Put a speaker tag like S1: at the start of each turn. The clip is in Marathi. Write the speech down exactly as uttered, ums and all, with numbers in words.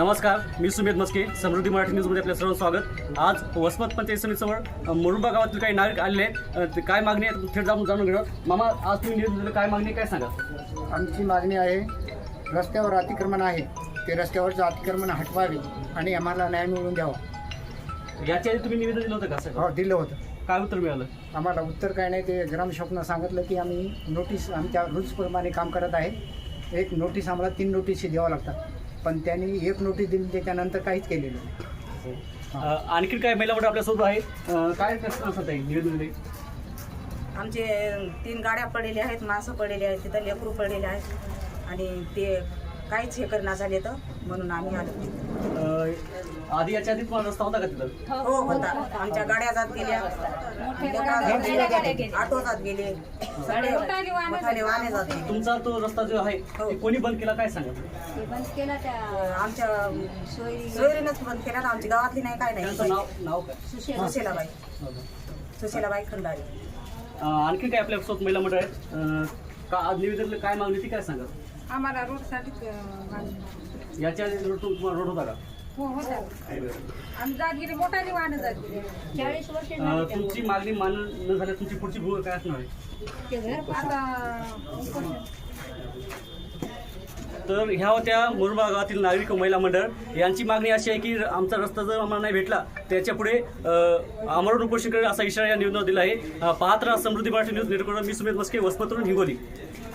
S1: नमस्कार, मी सुमेध मस्के, समृद्धी मराठी न्यूजमध्ये आपल्या सर्वांचं स्वागत। आज वसमत पंचायत समितीजवळ मुरुंबा गावातील काही नागरिक आलेले आहेत। काय मागणी आहे थेट जाऊन जाणून घेणार। मामा, आज तुम्ही निवेदन दिलं, काय मागणी काय सांगा?
S2: आमची मागणी आहे, रस्त्यावर अतिक्रमण आहे, ते रस्त्यावरचं अतिक्रमण हटवावे आणि आम्हाला न्याय मिळवून द्यावा।
S1: याच्या आधी तुम्ही निवेदन दिलं होतं का सर?
S2: हो, दिलं होतं।
S1: काय उत्तर मिळालं? आम्हाला
S2: उत्तर काय नाही, ते ग्रामसेवकनं सांगितलं की आम्ही नोटीस आमच्या रूल्सप्रमाणे काम करत आहे। एक नोटीस आम्हाला तीन नोटीस द्यावं लागतात, पण त्यांनी एक नोटीस दिली, त्याच्यानंतर काहीच केलेलं नाही।
S1: आणखी काय महिला मंडळ आपल्यासोबत आहे, काय कसं असं आहे निवेदन दिले?
S3: आमचे तीन गाड्या पडलेल्या आहेत, माणसं पडलेली आहेत, तिथं लेकरू पडलेले आहेत आणि ते काहीच हे करणार झाले तर म्हणून आम्ही आलो।
S1: आधी याच्या आधी तुम्हाला रस्ता होता का तिथं?
S3: हो होता, आमच्या गाड्या जात गेल्या, ऑटो जात गेले, सगळे मोठाले वाहने जात गेले।
S1: तुमचा तो रस्ता जो आहे ते कोणी बंद केला काय सांगा?
S3: बंद केला त्या आमच्या सोयरीनंच बंद केला, आमची गावातली नाही, काय नाही।
S1: नाव नाव काय?
S3: सुशीलाबाई सुशीलाबाई खंडारी।
S1: आणखी काय आपल्यासोबत महिला मंडळ आहेत, का आज निवेदन काय मागणी ती काय सांगा?
S4: आम्हाला रोडसाठी
S1: याच्या आधी रोड तुम्हाला रोड होता का?
S4: हो होता, आम्ही जात गेले, मोठाली वाहनं जात गेले, चाळीस वर्ष
S1: तुमची मागणी मान्य न झाल्यास तुमची पुढची भूमिका काय असणार आहे?
S4: आता
S1: तर ह्या होत्या मुरुंबा गावातील नागरिक महिला मंडळ। यांची मागणी अशी आहे की आमचा रस्ता जर आम्हाला नाही भेटला त्याच्या पुढे आमरण उपोषण करेल असा इशारा या निवेदनात दिला आहे। पाहत राहा समृद्धी मराठी न्यूज नेटवर्कवर। मी सुमेध मस्के, वसमतवरून हिंगोली।